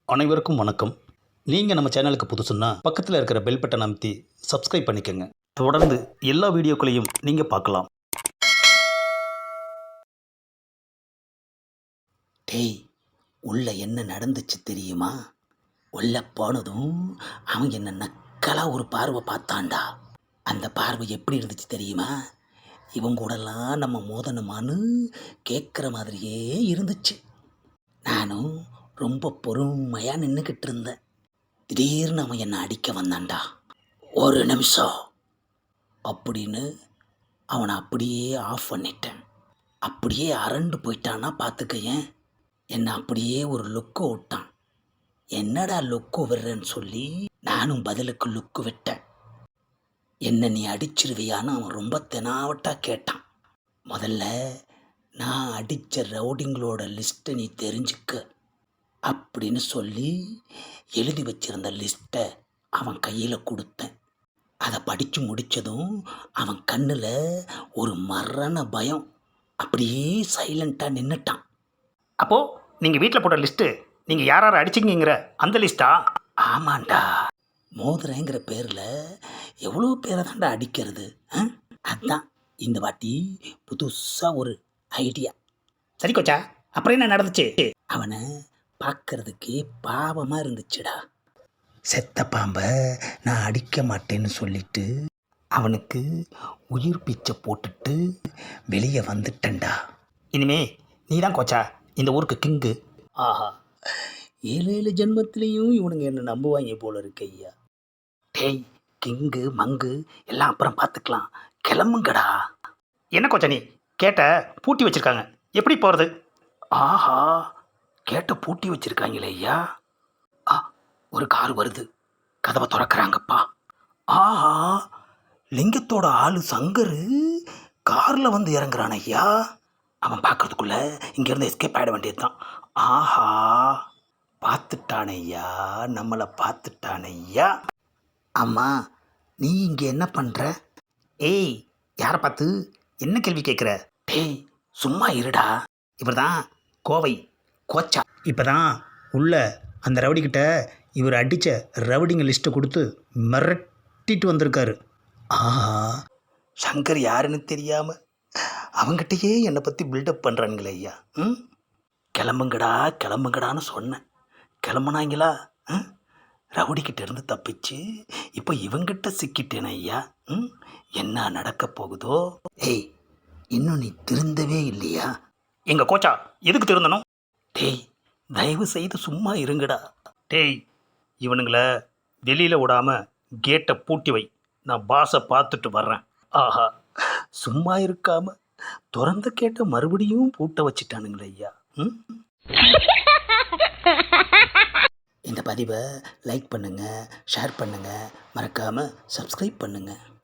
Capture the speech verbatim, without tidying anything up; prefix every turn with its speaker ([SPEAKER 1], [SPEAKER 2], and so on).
[SPEAKER 1] அனைவருக்கும் வணக்கம். நீங்கள் நம்ம சேனலுக்கு புதுசுன்னா பக்கத்தில் இருக்கிற பெல் பட்டனை அமைத்தி சப்ஸ்கிரைப் பண்ணிக்கோங்க. தொடர்ந்து எல்லா வீடியோக்களையும் நீங்கள் பார்க்கலாம்.
[SPEAKER 2] டேய், உள்ள என்ன நடந்துச்சு தெரியுமா? உள்ள போனதும் அவன் என்ன நக்கலா ஒரு பார்வை பார்த்தான்டா. அந்த பார்வை எப்படி இருந்துச்சு தெரியுமா? இவன் கூடலாம் நம்ம மோதனமான்னு கேட்குற மாதிரியே இருந்துச்சு. நானும் ரொம்ப பொறுமையாக நின்றுக்கிட்டு இருந்தேன். திடீர்னு அவன் என்னை அடிக்க வந்தான்டா. ஒரு நிமிஷம் அப்படின்னு அவனை அப்படியே ஆஃப் பண்ணிட்டேன். அப்படியே அரண்டு போயிட்டான்னா பார்த்துக்கையன். என்னை அப்படியே ஒரு லுக்கு விட்டான். என்னடா லுக்கு விடுறேன்னு சொல்லி நானும் பதிலுக்கு லுக்கு விட்டேன். என்ன நீ அடிச்சிருவியான்னு அவன் ரொம்ப தெனாவட்டாக கேட்டான். முதல்ல நான் அடித்த ரவுடிங்களோட லிஸ்ட்டை நீ தெரிஞ்சுக்க அப்படின்னு சொல்லி எழுதி வச்சிருந்த லிஸ்ட்டை அவன் கையில் கொடுத்தேன். அதை படித்து முடித்ததும் அவன் கண்ணில் ஒரு மரண பயம். அப்படியே சைலண்ட்டாக நின்றுட்டான்.
[SPEAKER 1] அப்போது நீங்கள் வீட்டில் போட்ட லிஸ்ட்டு நீங்கள் யார் யார் அடிச்சிங்கிற அந்த லிஸ்ட்டா?
[SPEAKER 2] ஆமாண்டா, மோதிரங்கிற பேரில் எவ்வளோ பேரை தாண்டா அடிக்கிறது. அதுதான் இந்த வாட்டி புதுசாக ஒரு ஐடியா.
[SPEAKER 1] சரி கோச்சா, அப்புறம் என்ன நடந்துச்சு?
[SPEAKER 2] அவனை பார்க்கறதுக்கே பாவமாக இருந்துச்சுடா. செத்த பாம்பை நான் அடிக்க மாட்டேன்னு சொல்லிட்டு அவனுக்கு உயிர் பிச்சை போட்டுட்டு வெளியே வந்துட்டேன்டா.
[SPEAKER 1] இனிமே நீ தான் கோச்சா இந்த ஊருக்கு கிங்கு.
[SPEAKER 2] ஆஹா, ஏழு ஏழு ஜென்மத்திலையும் இவனுங்க என்ன நம்புவாங்க போல இருக்கு ஐயா. டேய், கிங்கு மங்கு எல்லாம் அப்புறம் பார்த்துக்கலாம், கிளம்புங்கடா.
[SPEAKER 1] என்ன கோச்சா நீ கேட்ட பூட்டி வச்சுருக்காங்க, எப்படி போகிறது?
[SPEAKER 2] ஆஹா, கேட்ட பூட்டி வச்சிருக்காங்களே ஐயா. ஆ, ஒரு கார் வருது, கதவை திறக்கிறாங்கப்பா. ஆஹா, லிங்கத்தோட ஆளு சங்கரு காரில் வந்து இறங்குறான் ஐயா. அவன் பார்க்கறதுக்குள்ள இங்கேருந்து எஸ்கேப் ஆகிட வேண்டியது தான். ஆஹா, பார்த்துட்டான் ஐயா, நம்மளை பார்த்துட்டான் ஐயா. அம்மா, நீ இங்கே என்ன பண்ணுற?
[SPEAKER 1] ஏய், யாரை பார்த்து என்ன கேள்வி கேட்குற?
[SPEAKER 2] டேய், சும்மா இருடா.
[SPEAKER 1] இவர் தான் கோவை கோச்சா. இப்போ தான் உள்ள அந்த ரவுடிக்கிட்ட இவர் அடித்த ரவுடிங்க லிஸ்ட்டை கொடுத்து மிரட்டிட்டு வந்திருக்காரு.
[SPEAKER 2] ஆஹா, சங்கர் யாருன்னு தெரியாமல் அவங்ககிட்டயே என்னை பற்றி பில்டப் பண்ணுறானுங்களே ஐயா. ம், கிளம்புங்கடா கிளம்புங்கடான்னு சொன்னேன், கிளம்புனாங்களா? ம், ரவுடிக்கிட்ட இருந்து தப்பிச்சு இப்போ இவங்கிட்ட சிக்கிட்டேன் ஐயா. ம், என்ன நடக்க போகுதோ? ஏய், இன்னும் நீ திருந்தவே இல்லையா?
[SPEAKER 1] எங்கள் கோச்சா எதுக்கு திருந்தணும்?
[SPEAKER 2] டேய், தயவு செய்து சும்மா இருங்கடா.
[SPEAKER 1] டேய், இவனுங்களை வெளியில் விடாமல் கேட்டை பூட்டி வை, நான் பாஸை பார்த்துட்டு வர்றேன்.
[SPEAKER 2] ஆஹா, சும்மா இருக்காம திறந்த கேட்ட மறுபடியும் பூட்ட வச்சிட்டானுங்களே ஐயா. ம், இந்த பதிவை லைக் பண்ணுங்கள், ஷேர் பண்ணுங்கள், மறக்காமல் சப்ஸ்கிரைப் பண்ணுங்கள்.